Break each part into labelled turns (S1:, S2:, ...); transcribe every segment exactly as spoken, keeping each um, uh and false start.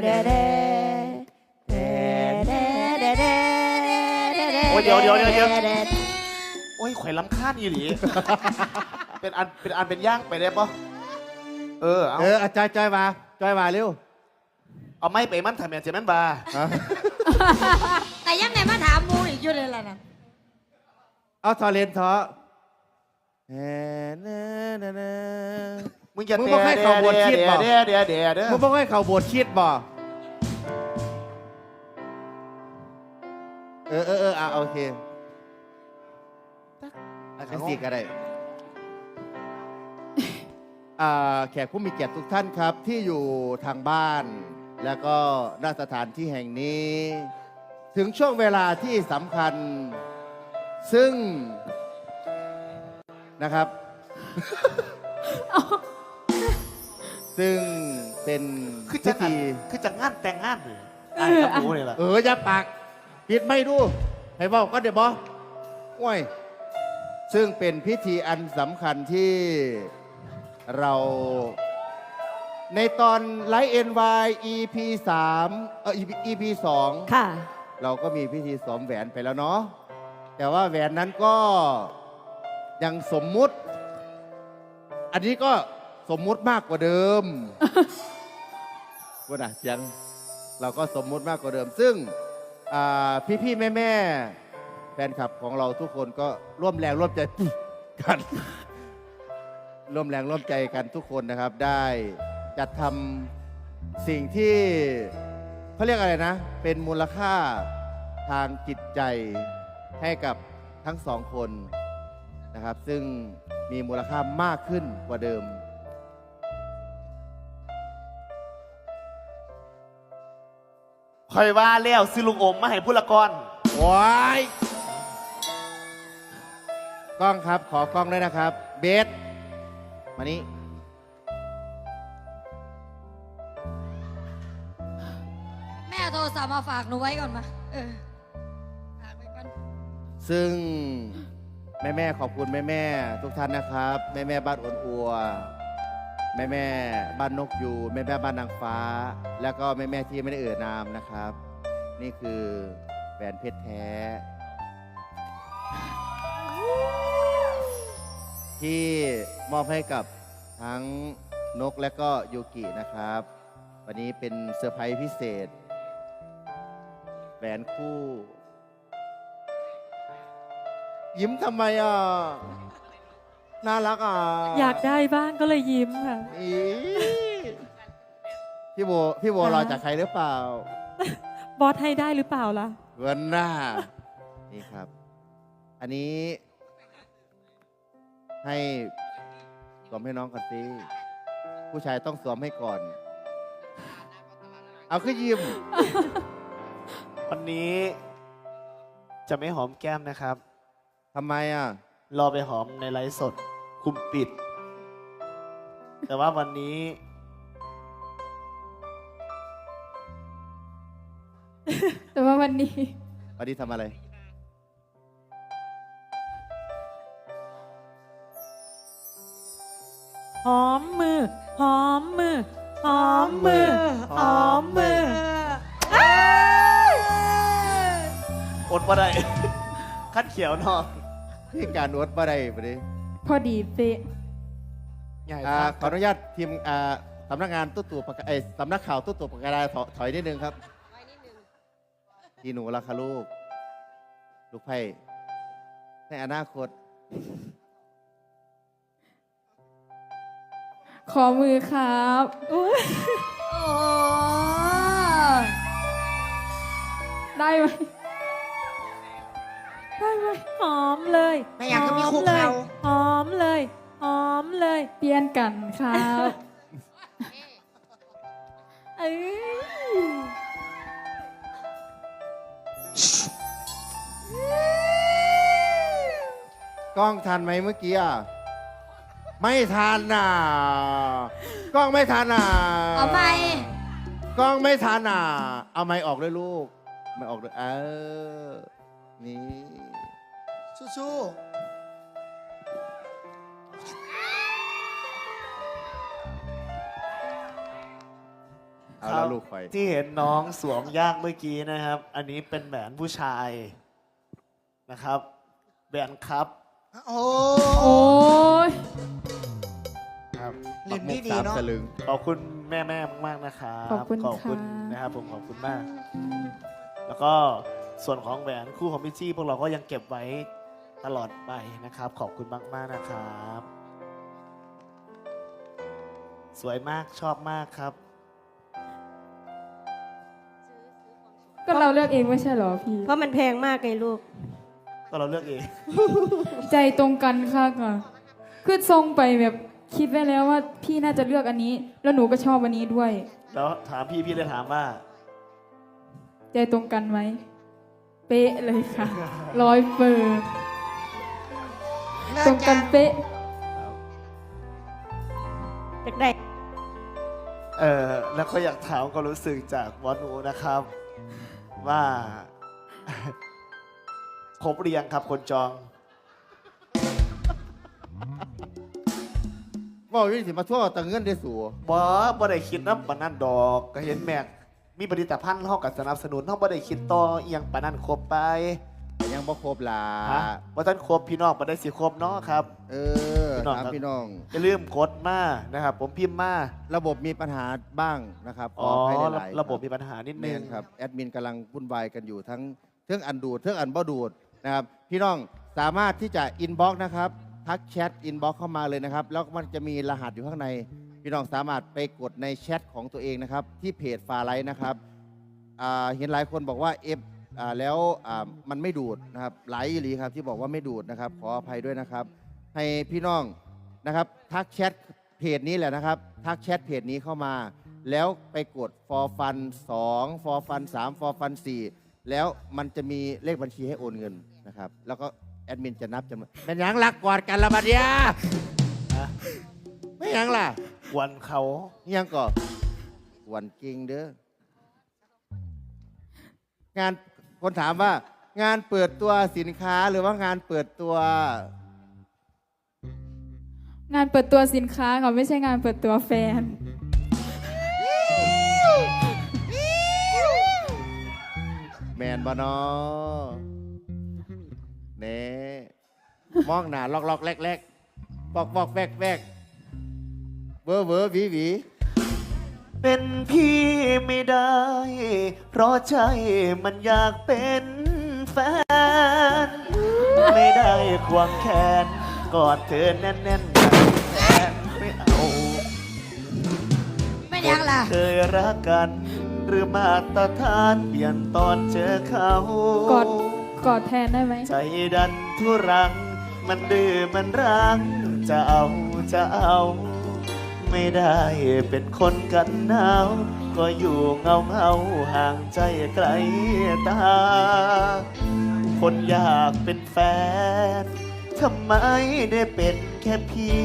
S1: เดเดเดเดเดเด
S2: โอ้ยเดี๋ยวเดี๋ยวเดี๋ยวเดี๋ยวโอ้ยข่อยลำคาญอีหลีเป็นอันเป็นอันเป็นย่างไปได้ปะเออเอา
S3: เออจอยจอยมาจอยมาเร็ว
S2: เอาไม่ไปมันทำอย่างเจมันบา
S1: แต่ยังไงมาถามมูอีกอยู่เลยล่ะนะ
S3: เอาทอเลนทอเอเนเนเน
S2: มึงจะ
S3: มึงบอกให้เขาบวชชีดบ่
S2: เดี๋ยวเดี๋ยวเดี๋ยวเดี๋ยว
S3: มึงบอกให้เขาโบดชีดบ่เออเออเอออ่ะโอเคเป็นสี่ก็ได้อ่าแขกผู้มีเกียรติทุกท่านครับที่อยู่ทางบ้าน แล้วก็ณสถานที่แห่งนี้ ถึงช่วงเวลาที่สำคัญ ซึ่งนะครับ ซึ่งเป็น
S2: คือ
S3: พิ
S2: จะงาน
S3: ธี
S2: คือจะงานแต่งงานเลยไอ้ครับรู้เลยล่ะ
S3: เอออย่าปากปิดไม่ดู ให้บอกก็เดี๋ยวบอกโอ้ยซึ่งเป็นพิธีอันสำคัญที่เรา ในตอนไลฟ์เอ็นวาย อี พี สามเออ อี พี สอง
S1: ค่ะ
S3: เราก็มีพิธีสวมแหวนไปแล้วเนาะแต่ว่าแหวนนั้นก็ยังสมมุติ อันนี้ก็สมมุติมากกว่าเดิม ว่าน่ะเสียงเราก็สมมุติมากกว่าเดิม ซึ่งพี่พี่แม่แม่ๆแฟนคลับของเราทุกคนก็ร่วมแรงร่วมใจกัน ร่วมแรงร่วมใจกันทุกคนนะครับ ได้จัดทำสิ่งที่เขาเรียกอะไรนะ เป็นมูลค่าทางจิตใจให้กับทั้งสองคนนะครับ ซึ่งมีมูลค่ามากขึ้นกว่าเดิม
S2: คอยว่าแล้วซื้อลุงอมมาให้พุละกร
S3: ว้ายกล้องครับขอกล้องด้วยนะครับ เบสมานี่
S1: แม่โทรศัพท์มาฝากหนูไว้ก่อนมาเออฝากไว้ก่อน
S3: ซึ่งแม่แม่ๆขอบคุณแม่แม่ๆทุกท่านนะครับ แม่แม่ๆบ้านอ้นอัว แม่แม่ๆบ้านนกยูแม่แม่ๆบ้านนางฟ้า แล้วก็แม่แม่ๆที่ไม่ได้เอ่ยนามนะครับ นี่คือแหวนเพชรแท้ ที่มอบให้กับทั้งนกและก็ยูกินะครับ วันนี้เป็นเซอร์ไพรส์พิเศษแหวนคู่ ยิ้มทำไมอ่ะ น่ารักอ่ะ
S4: อยากได้บ้างก็เลยยิ้มค่ะ
S3: อีพี่โบพี่โบรอจากใครหรือเปล่า
S4: บอสให้ได้หรือเปล่าล่ะ
S3: เวันหน้า นี่ครับ อันนี้ ให้สวมให้น้องก่อนสิผู้ชายต้องสวมให้ก่อน เอาขึ้นยิ้ม
S2: วันนี้จะไม่หอมแก้มนะครับ
S3: ทำไมอ่ะ
S2: รอไปหอมในไลฟ์สดคุมปิด แต่ว่าวันนี้
S4: แต่ว่าวันนี้
S3: วันนี้ทำอะไร
S4: หอมมือ หอมมือ หอมมือ หอมมือ
S2: อดมาได้ คัดเขียวเนอก
S3: พี่การนวดบ่ได้ปะดิ
S4: พอดีเป๊ะ
S2: ใหญ่
S3: อ่า
S2: ครับ
S3: ขออนุญาตทีมอ่าสำนักงานตู้ตู่ปากกาเอ้ยสำนักข่าวตู้ตู่ปากกาดาถอถอยนิดนึงครับทีหนูราคาลูก ลูกไพ่ในอนาคต
S4: ขอมือครับอุ๊ย
S1: โอ้
S4: ได้ไหมได้ไหมหอมเลย
S1: ไม่อยากก็มีคุก
S4: เลย
S1: เขา
S4: หอมเลย หอมเลย เปลี่ยนกันครับเอ้ย
S3: กล้องทันไหมเมื่อกี้อ่ะ ไม่ทันน่ะ กล้องไม่ทันน่ะ
S1: เอาไป
S3: กล้องไม่ทันน่ะ เอาไม้ออกด้วยลูก ไม่ออกด้วยเออ นี่
S2: สู้
S3: เอา
S2: ครั
S3: แล้
S2: บ
S3: วลูกคอย
S2: ที่เห็นน้องสวมย่างเมื่อกี้นะครับ อันนี้เป็นแหวนผู้ชายนะครับแหวนครับ
S5: โอ้
S4: โอ้ย
S2: ครับ
S5: เล่นดี
S3: ปั
S5: ดี
S3: กหมุ
S5: เนาะ
S3: สามสลึง
S2: ขอบคุณแม่แม่ๆมากๆนะครับ
S4: ขอบคุณ
S2: ขอบคุณ
S4: ค่ะ
S2: นะครับผมขอบคุณมาก แล้วก็ส่วนของแหวนคู่ของพี่จี้พวกเราก็ยังเก็บไว้ตลอดไปนะครับ ขอบคุณมากๆนะครับ สวยมากชอบมากครับ
S6: ก็เราเลือกเองไม่ใช่เหรอพี่
S7: เพราะมันแพงมากไงลูก
S2: ก็เราเลือกเอง
S6: ใจตรงกันค่ะก่ะคือทรงไปแบบคิดไว้แล้วว่าพี่น่าจะเลือกอันนี้ แล้วหนูก็ชอบอันนี้ด้วย
S2: แล้วถามพี่พี่เลยถามว่า
S6: ใจตรงกันไหม เป๊ะเลยค่ะ ร้อยเปอร์
S5: เลิ
S6: ตร
S5: ก
S6: งกั
S5: จ้ะ
S6: นเป๊ะ
S7: อยากได้
S2: เออแล้วก็อยากถามความรู้สึกจากวอนูนะครับ ว่า ครบหรือยังครับคนจอง
S3: ว่าวิสิมาทั่วตังเงินได้สู
S2: บอบ่ได้คิดนะปานนั่นดอก ก็เห็นแม็กมีผลิตภัณฑ์เฮากับสนับสนุนเฮาบ่ได้คิดต่อเอียงปานนั่นครบไป
S3: ยังบ่ครบล่ะ
S2: ฮะว่าท่านครบพี่น้องบ่ได้สิครบเนาะครับ
S3: เออ
S2: พี่น้อง
S3: ถาม
S2: ครับ
S3: พี่น้อง
S2: อย่าลืมกดมานะครับ ผมพิมพ์มา
S3: ระบบมีปัญหาบ้างนะครับข
S2: อ๋
S3: อ
S2: อ
S3: ให้
S2: ระ
S3: หลายๆ
S2: ระบบมีปัญหานิด
S3: แม
S2: นึง
S3: นครับแอดมินกำลังวุ่นวายกันอยู่ทั้งเครื่องอันดูดเครื่องอันบ่ดูดนะครับพี่น้องสามารถที่จะอินบ็อกซ์นะครับทักแชทอินบ็อกซ์เข้ามาเลยนะครับแล้วมันจะมีรหัสอยู่ข้างใน พี่น้องสามารถไปกดในแชทของตัวเองนะครับที่เพจฟาไลท์นะครับอ่าเห็นหลายคนบอกว่าเอฟอ่าแล้วอ่ามันไม่ดูดนะครับหลายอีหลีครับที่บอกว่าไม่ดูดนะครับขออภัยด้วยนะครับ ให้พี่น้องนะครับทักแชทเพจนี้แหละนะครับทักแชทเพจนี้เข้ามา แล้วไปกด for fun สอง for fun สาม for fun สี่แล้วมันจะมีเลขบัญชีให้โอนเงินนะครับแล้วก็แอดมินจะนับจำนวนเป็นหยังหลักกอดกันละบัดเดีย
S2: ฮะ
S3: ไม่หยังล่ะ
S2: วันเขา
S3: นี่ยังก่อวันจริงเด้องานคนถามว่างานเปิดตัวสินค้าหรือว่างานเปิดตัว
S6: งานเปิดตัวสินค้าค่ะไม่ใช่งานเปิดตัวแฟน
S3: แมนบอนอเน่มองหนาลอกลอกแรกแรกบอกบอกแวกแวกเวอร์เวอร์หวีหวี
S2: เป็นพี่ไม่ได้ เพราะใจมันอยากเป็นแฟน ไม่ได้ควงแขนกอดเธอแน่นๆแบบแฟนไม่เอา
S1: ไม่ยังล่ะ
S2: เคยรักกัน หรือมาตรฐานเปลี่ยนตอนเจอเขา
S6: กอดกอดแทนได้ไหม
S2: ใจดันทุรัง มันดื้อมันรัง จะเอาจะเอา ไม่ได้เป็นคนกันหนาว ก็อยู่เงาเงาๆห่างใจไกลตา คนอยากเป็นแฟน ทำไมได้เป็นแค่พี่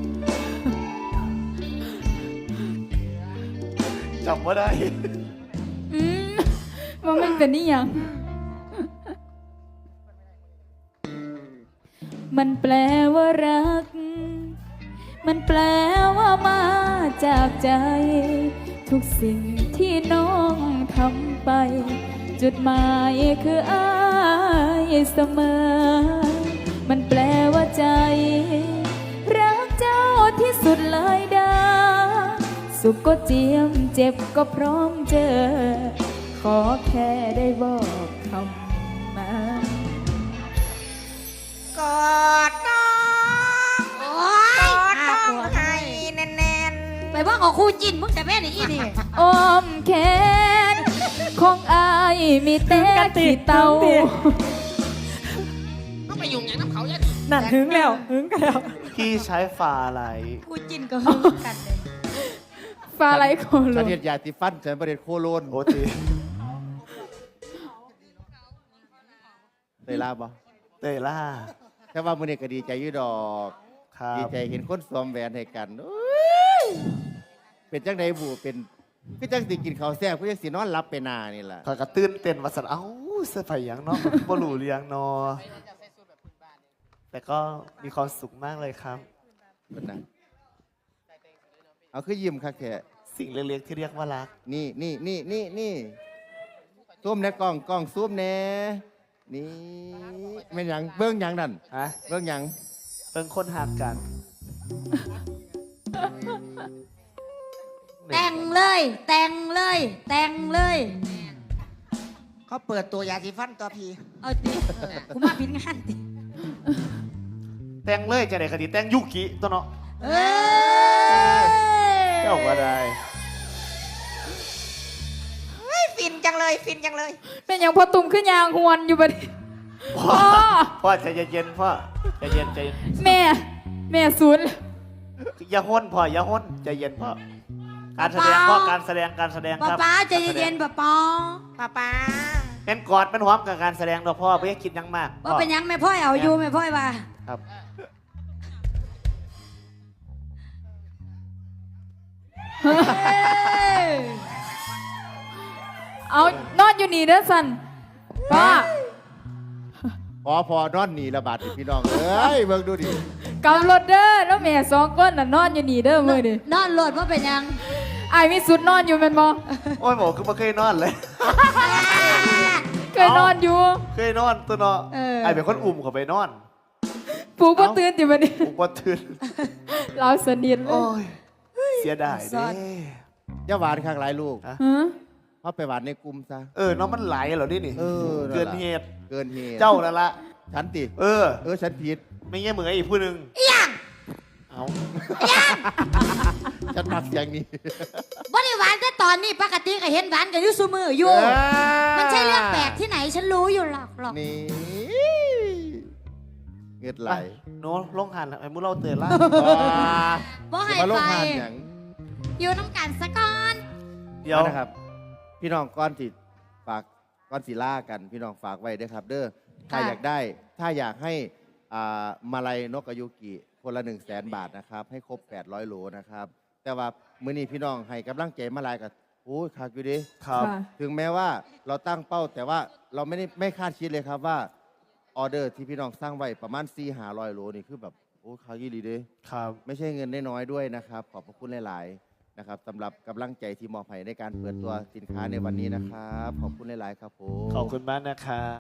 S2: จำว่าได้
S6: อืมว่ามันเป็นนี่ยัง มันแปลว่ารัก มันแปลว่ามาจากใจ ทุกสิ่งที่น้องทำไป จุดหมายคืออายเสมอ มันแปลว่าใจ รักเจ้าที่สุดเลยดา สุขก็เจียมเจ็บก็พร้อมเจอ ขอแค่ได้บอกคำมา
S5: กอดน้อง
S1: โอ้ย
S5: กอด
S1: น่า
S5: น้อก ง
S1: ลัว
S5: ให้แน่น
S1: ไปว่าของครูจินมึงจะแม่นอีนี่
S6: อ้อมแขนของอายมีแต่ขี้เตา
S4: นั่นถึงแล้วถึงกันแล้ว
S2: พี่ใช้ฝาอะไร
S1: ครูจินก็ฮึงกันเลย
S6: ฟ้าไรโคโล
S3: ฉันเห็นยาติฟันฉันประเด็นโคโลน
S2: โอที
S3: ได้ลาบ่
S2: เตยล่า
S3: แค่ว่ามือนี้ก็ดีใจอยู่ดอก
S2: ครั
S3: ดี
S2: บ
S3: ใจเห็นคนสวมแหวนให้กันโอ้ยเป็นจังไดบูเป็นก็จังสิกินข้าวแซ่บก็จังสินอนหลับไปหนานี่ล่ะ
S2: คอยกระตื้นเต้นวัสันเอ้าเสื้อผ้าอย่างเนาะบ่รู้เรียงเนอแต่ก็มีความสุขมากเลยครับ
S3: เป็นนะเอาคือยิ้มคักแค่
S2: สสิ่งเล็กๆที่เรียกว่ารัก
S3: นี่นี่นี่นี่นี่ซูมในกล้องกล้องซูมแน่นี่เป็นหยังเบื้องหยังนั่น
S2: ฮะ
S3: เบื้องหยัง
S2: เป็นคนหักกัน
S1: แต่งเลย แต่งเลย แต่งเลย
S5: เขาเปิดตัวยาสีฟันตัวพี
S1: เอาดิกูมาผิดงานดิ
S2: แต่งเลยจะได้คดีแต่งยุกิตัวเนาะ
S1: เอ้ย
S2: เจ้าก็ได้
S5: เฮ้ยฟินจังเลยฟินจังเลย
S6: เป็นอย่างพอตุ่มขึ้นยางหวนอยู่บัดนี้
S2: พ่อ
S6: พ่อ
S2: พ่อใจเย็นๆพ่อใจเย็นใจเย็น
S6: แม่ แม่ศูนย์
S2: อย่าห้นพ่ออย่าห้นใจเย็นพ่อการแสดงพ่อการแสดงการแสดง
S1: ป้า
S2: ครับ
S1: ป้าใจเย็นๆป้าป้า
S5: ป้าป้า
S2: เป็นกอดเป็นหอมกับการแสดงตัวพ่อไม่ให้คิดหยังมาก
S1: ว่าเป็นหยังแม่พ่อยเอาอยู่แม่พ่อยว่า
S2: ครับ
S1: เฮ้ย
S6: เอานอนอยู่นี่เด้อสันพ่อ
S3: พอพอนอนหนีระบาดดิพี่น้องเอ้ยเบิ่งดูดิ
S6: กำรถเด้อแล้วแม่สองคนน่ะนอนอยู่นี่เด้อมือดิ
S1: นอนโหลดว่าเป็นหยัง
S6: ไอ้ายมีสุดนอนอยู่แม่นบ่
S2: โอ้ยหมอคือไม่เคยนอนเลย
S6: เคยนอนอยู่
S2: เคยนอนตัวเนาะ
S1: เออ
S2: ไอเป็นคนอุ่มเขาไปนอน
S6: ปู่บ่ตื่นติบัดนี้
S2: อุปตื่น
S6: เราสนิทเล
S2: โอ้
S6: ย
S2: ยเสียดายเด้
S3: อย่าหวานข้างหลายลูก
S2: ฮะ
S6: ฮะ
S3: เขาไปหวานในกลุ่มซะ
S2: เออน้องมันไหลเหรอนี่นี่
S3: เออ
S2: เกินเหตุ
S3: เกินเหตุ
S2: เจ้านั่นละ
S3: ฉันติ
S2: เออ
S3: เออฉันผิด
S2: ไม่ใช่เหมือนอีกผู้หนึ่ง
S1: ยัง
S2: เอา
S3: ฉันมักอย่างนี้
S1: บ่ได้หวานแต่ตอนนี้ปกติก็เห็นหวานกันอยู่ซุมืออยู่ มันใช่เรื่องแปลกที่ไหนฉันรู้อยู่หรอกหรอก
S3: นี่เงือดไหล
S2: ไปโน้ลงหันไอ้มูเราเตือนละ
S1: บ่ให้
S3: มาลง
S1: ไป
S3: หานอย่าง
S1: อยู่น้ำกันซะก่อน
S2: เดี๋ยว
S3: นะครับ พี่น้องก้อนสิฝากก้อนสิล่ากัน พี่น้องฝากไว้ด้วยครับ เด้อถ้าอยากได้ ถ้าอยากให้อ่ามาลัยนกอายุกิคนละหนึ่งแสนบาทนะครับ ให้ครบแปดร้อยโหลนะครับ แต่ว่ามื้อนี้พี่น้องให้กำลังใจมาลายกับโอ้ยคักอยู่ดิ
S2: ครับ
S6: ค่ะ
S3: ถึงแม้ว่าเราตั้งเป้าแต่ว่าเราไม่ได้ไม่คาดคิดเลยครับว่าออเดอร์ที่พี่น้องสร้างไว้ประมาณสี่หาร้อยโหลนี่คือแบบโอ้คักยี่ดีเด้
S2: ครับ
S3: ไม่ใช่เงินน้อยๆด้วยนะครับ ขอบพระคุณหลายๆนะครับสำหรับกำลังใจที่มอบให้ในการเปิดตัวสินค้าในวันนี้นะครับ ขอบคุณหลายๆครับผม
S2: ขอบคุณมากนะครับ